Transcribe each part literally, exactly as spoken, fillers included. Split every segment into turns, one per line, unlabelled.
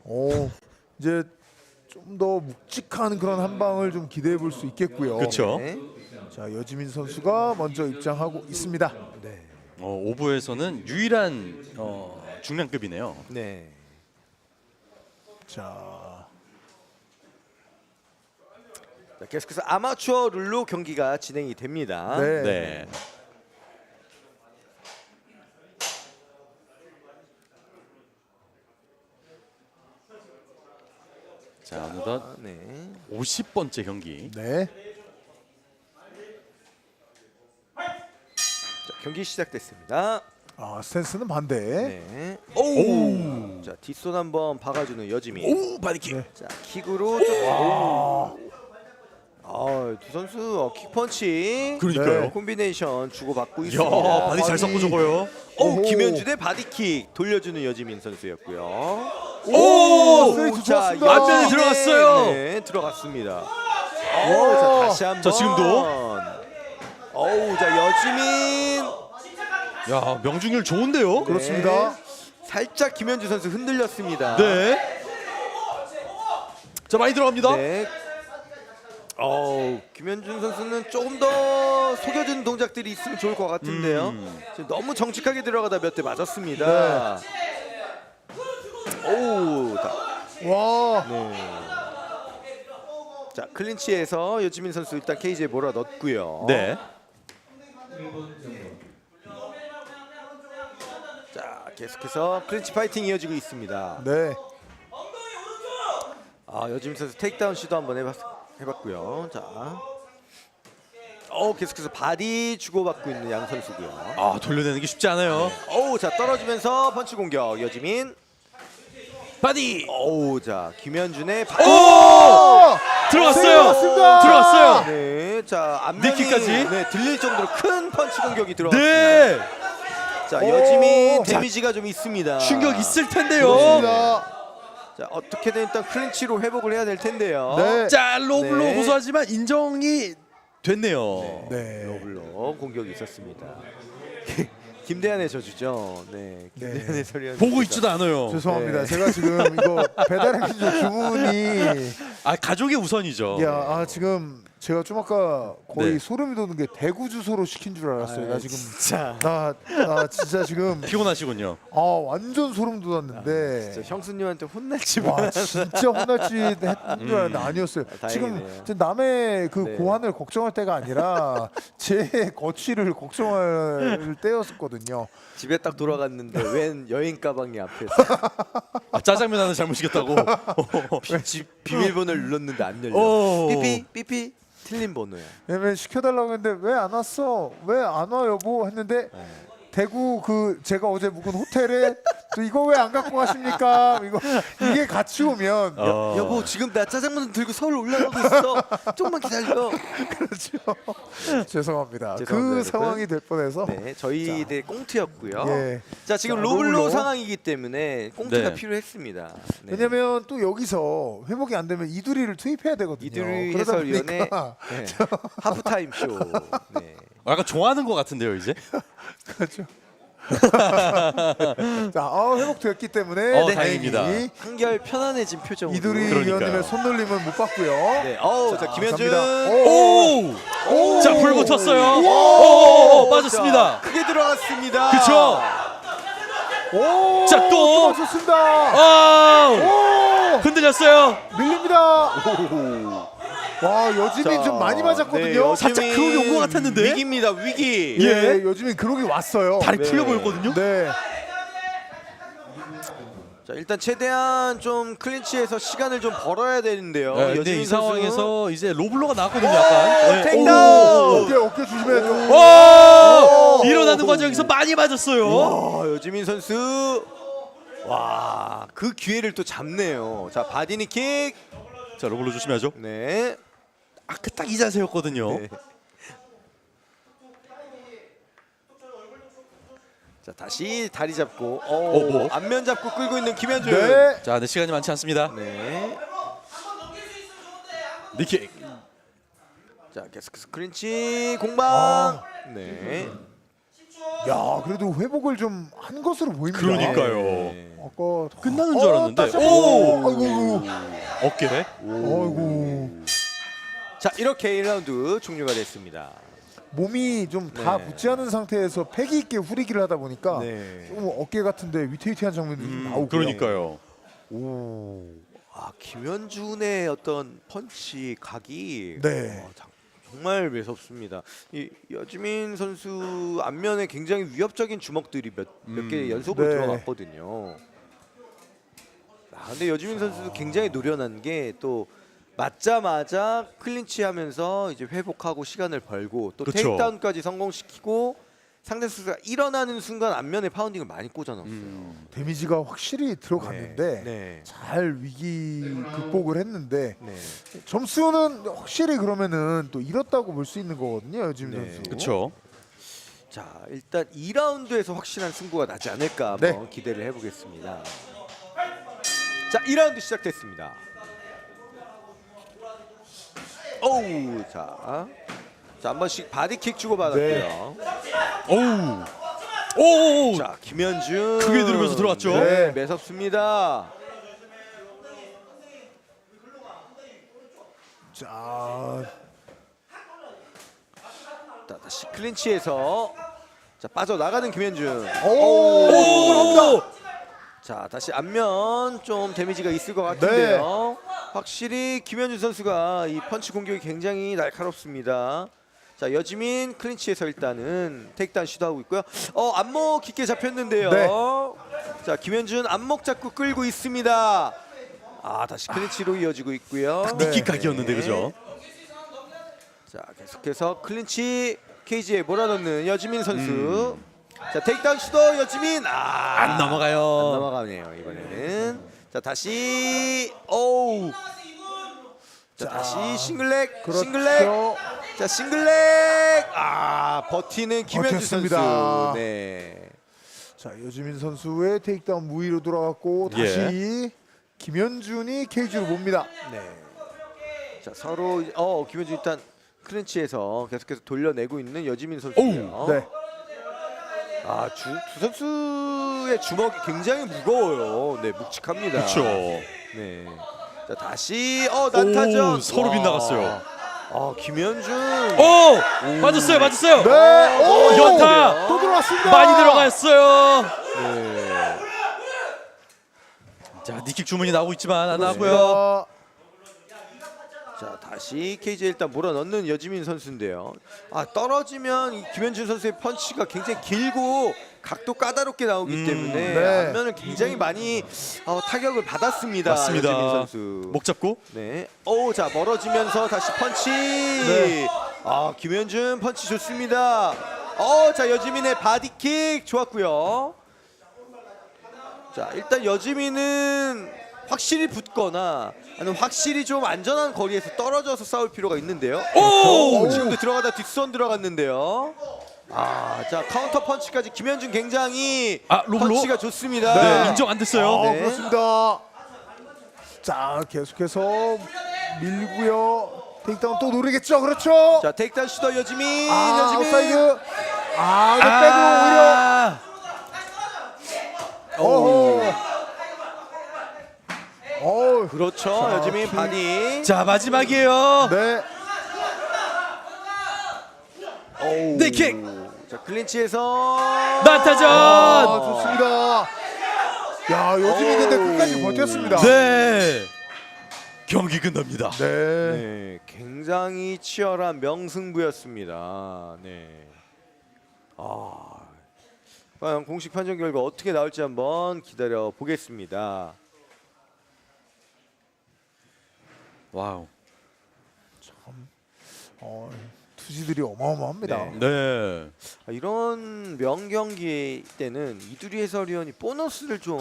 오, 이제 좀 더 묵직한 그런 한 방을 좀 기대해 볼 수 있겠고요.
그렇죠.
네.
자, 여지민 선수가 먼저 입장하고 있습니다.
네.
어, 오브에서는 유일한 어, 중량급이네요.
네.
자,
자, 계속해서 아마추어 룰로 경기가 진행이 됩니다.
네.
네. 자, 어느덧
아, 네.
오십 번째 경기.
네.
자, 경기 시작됐습니다.
아, 스탠스는 반대.
네. 오. 자, 뒷손 한번 박아주는 여지민.
오, 바디킥.
네.
자, 킥으로 좀. 오. 아, 두 선수 어, 킥펀치.
그러니까요.
네.
콤비네이션 주고받고
야,
있습니다.
바디 잘 섞고 저거요.
오,
오호.
김현주 대 바디킥 돌려주는 여지민 선수였고요.
오!
스트레이트
자,
좋았습니다.
앞면에 들어갔어요.
네, 들어갔습니다. 오, 자, 다시 한번.
자, 지금도.
어우, 자, 여지민.
야, 명중률 좋은데요?
그렇습니다.
네. 살짝 김현주 선수 흔들렸습니다.
네. 자, 많이 들어갑니다.
네. 어우, 김현준 선수는 조금 더 속여주는 동작들이 있으면 좋을 것 같은데요.
음.
지금 너무 정직하게 들어가다 몇 대 맞았습니다. 오우, 자,
와,
네. 자, 클린치에서 여지민 선수 일단 케이지에 몰아 넣었고요.
네.
자, 계속해서 클린치 파이팅 이어지고 있습니다.
네.
아, 여지민 선수 테이크다운 시도 한번 해봤, 해봤고요. 자, 어 계속해서 바디 주고받고 있는 양 선수고요.
아, 돌려내는 게 쉽지 않아요.
어우, 자, 떨어지면서 펀치 공격 여지민.
바디.
어우, 자, 김현준의 바디.
오! 들어갔어요.
들어갔습니다.
들어갔어요.
네, 자, 앞면이
니킥까지?
네, 들릴 정도로 큰 펀치 공격이 들어갔습니다.
네.
자,
오!
여지민
자,
데미지가 좀 있습니다.
충격 있을 텐데요.
그렇습니다.
자, 어떻게든 일단 클린치로 회복을 해야 될 텐데요.
네.
자, 로블로
네.
고소하지만 인정이 됐네요.
네.
로블로 공격이 있었습니다. 김대한의 저주죠. 네, 김대한의
네.
소리였.
보고 있지도 않아요.
죄송합니다.
네.
제가 지금 이거 배달의 민족 주문이
아, 가족이 우선이죠.
야, 아 지금 제가 좀 아까 거의
네.
소름이 돋는 게 대구 주소로 시킨 줄 알았어요. 나 지금
진짜.
나, 나 진짜 지금
피곤하시군요.
아 완전 소름 돋았는데
진짜 형수님한테 혼날지
와
마.
진짜 혼날지 했던 줄 알았는데 아니었어요.
아, 다행이네요.
지금 제 남의 그
네.
고안을 걱정할 때가 아니라 제 거취를 걱정할 때였었거든요.
집에 딱 돌아갔는데 웬 여행 가방이 앞에
아, 짜장면 하나 잘못 시켰다고.
비, 집 비밀번호를 눌렀는데 안 열려.
오.
삐삐 삐삐 틀린 번호야.
왜냐면 시켜달라고 했는데 왜 안 왔어? 왜 안 와 여보? 했는데 대구 그 제가 어제 묵은 호텔에 또 이거 왜 안 갖고 가십니까? 이거 이게 같이 오면
어.
여보 지금 나 짜장면 들고 서울 올라가고 있어. 조금만 기다려.
그렇죠. 죄송합니다.
죄송합니다,
그
여러분.
상황이 될 뻔해서
네, 저희들 꽁트였고요.
예.
자, 지금
자,
로블로,
로블로.
상황이기 때문에 꽁트가
네.
필요했습니다. 네.
왜냐면 또 여기서 회복이 안 되면 이두리를 투입해야 되거든요.
이두리
그러다
해설위원회
보니까
네. 하프타임 쇼. 네.
약간 좋아하는 것 같은데요, 이제.
그렇죠. 자, 어, 회복됐기 때문에
어,
네,
다행입니다.
다행히
한결 편안해진 표정으로.
이두리
그러니까요.
위원님의 손놀림은 못 봤고요.
네. 어우, 자, 김현준.
감사합니다.
오!
오!
자, 불 붙었어요.
오!
오! 빠졌습니다.
자, 크게 들어갔습니다.
그쵸?
오!
자, 또!
맞췄습니다.
아!
오!
흔들렸어요.
밀립니다. 와, 여지민
자,
좀 많이
네,
맞았거든요.
여지민
살짝 그러기 온것 같았는데?
위기입니다. 위기.
예, 여지민 그러기 왔어요.
다리
네.
풀려 보였거든요.
네.
자, 일단 최대한 좀 클린치에서 시간을 좀 벌어야 되는데요.
네, 근데
여지민
이
선수.
상황에서 이제 로블로가 나왔거든요, 약간. 네.
택다운!
어깨 어깨 조심해야죠.
오! 일어나는 과정에서 많이 맞았어요.
와, 여지민 선수. 와, 그 기회를 또 잡네요. 자, 바디니킥.
자, 로블로 조심해야죠.
네.
아까 딱 이 자세였거든요.
네. 자, 다시 다리 잡고 어,
어, 뭐?
앞면 잡고 끌고 있는 김현준.
네.
자, 근데 시간이 많지 않습니다.
네.
니킥.
자, 계속해서 클린치 공방. 네.
야, 그래도 회복을 좀 한 것으로 보입니다.
그러니까요.
네.
아까
끝나는 줄 알았는데.
다시
오!
한번. 아이고, 아이고,
어깨네.
아이고.
자, 이렇게 일 라운드 종료가 됐습니다.
몸이 좀 다
네.
붙지 않은 상태에서 패기 있게 후리기를 하다 보니까
네.
좀 어깨 같은데 위태위태한 장면들이 좀 나오고.
그러니까요.
오. 아, 김현준의 어떤 펀치 각이
네.
어, 장- 정말 매섭습니다. 이 여지민 선수 앞면에 굉장히 위협적인 주먹들이 몇 몇 개
음.
연속으로
네.
들어갔거든요. 아, 근데 여지민 선수도 굉장히 노련한 게 또 맞자마자 클린치하면서 이제 회복하고 시간을 벌고 또
그쵸.
테이크다운까지 성공시키고 상대 선수가 일어나는 순간 앞면에 파운딩을 많이 꽂아놨어요.
음.
데미지가 확실히 들어갔는데
네.
잘 위기 극복을 했는데
네.
점수는 확실히 그러면은 또 잃었다고 볼 수 있는 거거든요, 요즘
네.
선수.
그렇죠.
자, 일단 이 라운드에서 확실한 승부가 나지 않을까
네.
한번 기대를 해보겠습니다. 자, 이 라운드 시작됐습니다. 오우, 자, 자, 한 번씩 바디킥 주고 받았고요.
오우. 오.
자, 김현준
크게 들으면서 들어왔죠?
네, 매섭습니다.
자,
자, 다시 클린치에서 자 빠져나가는 김현준.
오!
오.
자, 다시 앞면 좀 데미지가 있을 것 같은데요. 확실히 김현준 선수가 이 펀치 공격이 굉장히 날카롭습니다. 자, 여지민 클린치에서 일단은 테이크다운 시도하고 있고요. 어, 안목 깊게 잡혔는데요.
네.
자, 김현준 안목 잡고 끌고 있습니다. 아, 다시 클린치로 이어지고 있고요.
네.
니킥 각이었는데 그죠?
자, 계속해서 클린치 케이지에 몰아넣는 여지민 선수. 자, 테이크다운 시도 여지민. 아,
안 넘어가요.
안 넘어가네요 이번에는. 자, 다시 오우. 자, 다시 싱글렉,
그렇죠.
싱글렉. 자, 싱글렉. 아, 버티는 김현준
버텼습니다.
선수. 네.
자, 여지민 선수의 테이크다운 무위로 돌아갔고
예.
다시 김현준이 케이지로 봅니다.
네. 자, 서로 이제- 어 김현준 일단 클린치에서 계속해서 돌려내고 있는 여지민 선수예요.
네.
아, 주, 두 선수의 주먹이 굉장히 무거워요. 네, 묵직합니다.
그렇죠.
네. 자, 다시 어 난타전.
오, 서로
와.
빗나갔어요.
아, 김현준.
오. 맞았어요. 맞았어요.
네. 오!
연타.
또 들어왔습니다.
많이 들어갔어요.
네.
자, 니킥 주문이 나오고 있지만 안 나고요.
자,
자, 다시 케이지에 일단 몰아넣는 여지민 선수인데요. 아, 떨어지면 이 김현준 선수의 펀치가 굉장히 길고 각도 까다롭게 나오기
음,
때문에
네.
앞면을 굉장히 많이 어, 타격을 받았습니다.
맞습니다.
여지민 선수.
목 잡고.
네. 오, 자, 멀어지면서 다시 펀치.
네.
아, 김현준 펀치 좋습니다. 어, 자, 여지민의 바디킥 좋았고요. 자, 일단 여지민은 확실히 붙거나 아니면 확실히 좀 안전한 거리에서 떨어져서 싸울 필요가 있는데요.
오!
어, 지금도 들어가다 뒷선 들어갔는데요. 아, 자, 카운터 펀치까지 김현준 굉장히
아, 로블로?
펀치가 좋습니다.
네, 인정 안 됐어요.
아,
네.
그렇습니다. 자, 계속해서 밀고요. 테이크다운 또 노리겠죠. 그렇죠.
자, 테이크다운 시도 여지민.
아,
여지민.
아웃사이드. 아, 이거 빼고 오히려. 어허. 어우.
그렇죠.
자,
여지민
킥.
바디.
자, 마지막이에요.
네.
오우.
네, 킥.
자, 클린치에서
난타전.
아, 좋습니다. 야, 여지민 근데 끝까지 버텼습니다.
네. 경기 끝납니다.
네.
네, 굉장히 치열한 명승부였습니다. 네. 아, 과연 공식 판정 결과 어떻게 나올지 한번 기다려 보겠습니다.
와우.
어, 투지들이 어마어마합니다.
네.
네.
아, 이런 명경기 때는 이두리 해설위원이 보너스를 좀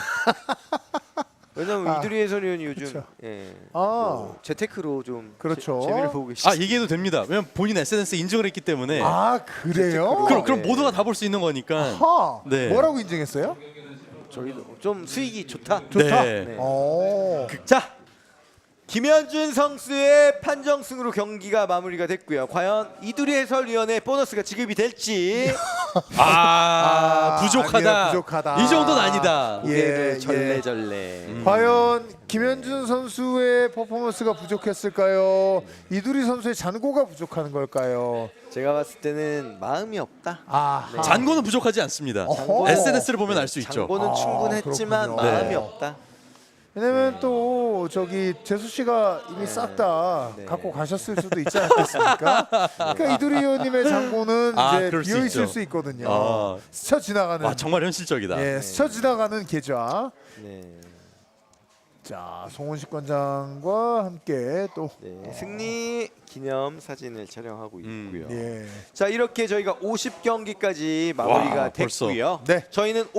왜냐면
아,
이두리 해설위원이 요즘
그쵸.
예,
아.
뭐 재테크로 좀
그렇죠.
재, 재미를 보고 계시죠.
아, 얘기해도 됩니다. 왜냐면 본인 에스엔에스에 인증을 했기 때문에.
아, 그래요?
그럼 그럼
네.
모두가 다 볼 수 있는 거니까.
하.
네.
뭐라고 인증했어요?
저희도 좀 수익이 좋다.
좋다.
네.
네.
어.
자, 김현준 선수의 판정승으로 경기가 마무리가 됐고요. 과연 이두리 해설위원의 보너스가 지급이 될지
아, 부족하다.
아니야, 부족하다.
이 정도는 아니다.
예,
고개를
예.
절레절레.
음.
과연 김현준 선수의 퍼포먼스가 부족했을까요? 이두리 선수의 잔고가 부족한 걸까요?
제가 봤을 때는 마음이 없다.
아,
네.
잔고는 부족하지 않습니다.
어허.
에스엔에스를 보면 알 수 있죠.
장고는
아,
충분했지만
그렇군요.
마음이
네.
없다.
왜냐면 또 저기 재수 씨가 이미 싹 다
네.
갖고 가셨을 수도 있지 않겠습니까? 그러니까 이두리 의원님의 잔고는
아,
이제
그럴 수
비어 있을
있죠.
수 있거든요.
아.
스쳐 지나가는.
와, 정말 현실적이다.
예, 스쳐 지나가는 계좌.
네.
자, 송원식 관장과 함께 또
네. 승리 기념 사진을 촬영하고
음.
있고요.
예.
자, 이렇게 저희가 오십 경기까지 마무리가
와, 벌써.
됐고요.
네.
저희는